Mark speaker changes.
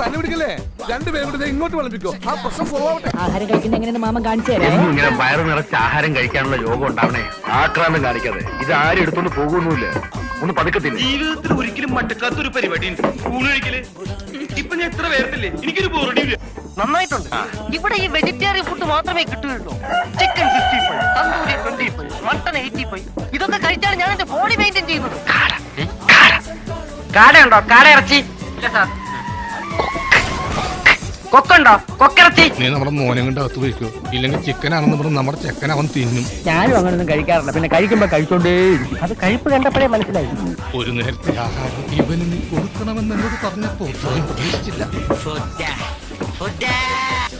Speaker 1: പനി പിടിക്കല്ലേ? രണ്ടുപേരും കൂടെ ഇങ്ങോട്ട് വിളമ്പിക്കോ. ആ പ്രശ്നം സോൾവ് ആവട്ടെ.
Speaker 2: ആഹാരം കഴിക്കുന്ന എങ്ങനെയെന്ന് മാമൻ കാണിച്ചു തരാം.
Speaker 3: ഇങ്ങനെ വയറ് നിറച്ച് ആഹാരം കഴിക്കാനുള്ള യോഗം ഉണ്ടാവണേ. ആക്രാന്തം കാണിക്കാതെ. ഇത് ആരും എടുത്തൊന്നും പോകുന്നില്ല. ഒന്ന് പതുക്കത്തില്ല.
Speaker 4: ജീവിതത്തിൽ ഒരിക്കലും മട്ടക്കാത്തൊരു പരിപാടി ഊണ് കഴിക്കല്. ഇപ്പൊ ഞാൻ എത്ര പേർത്തില്ലേ, എനിക്കൊരു ബോറടിയില്ല.
Speaker 5: നന്നായിട്ടുണ്ട്. ഇവിടെ ഈ വെജിറ്റേറിയൻ ഫുഡ് മാത്രമേ കിട്ടുകയുള്ളൂ. Chicken 65, tandoori 25, mutton 85. ഇതൊക്കെ കഴിച്ചാണ് ഞാൻ എന്റെ ബോഡി മെയിൻറ്റെയിൻ ചെയ്യുന്നത്. കാടയുണ്ടോ? കാട ഇറച്ചി ഇല്ല സാർ. കൊക്കുണ്ടോ? കൊക്കിറച്ചി.
Speaker 1: നീ നമ്മുടെ മോനെ കൊണ്ട് അകത്ത് വയ്ക്കോ, ഇല്ലെങ്കിൽ ചിക്കനാണെന്ന് പറഞ്ഞ് നമ്മുടെ ചെക്കൻ അവൻ തിന്നും.
Speaker 2: ഞാനും അങ്ങനൊന്നും കഴിക്കാറില്ല. പിന്നെ കഴിക്കുമ്പോ കഴിച്ചോണ്ടേ അത് കഴിപ്പ് കണ്ടപ്പോഴേ മനസ്സിലായി.
Speaker 1: ഒരു നേരത്തെ ആഹാരം ഇവന് നീ കൊടുക്കണമെന്ന് എന്നോട് പറഞ്ഞപ്പോ പ്രതീക്ഷിച്ചില്ല.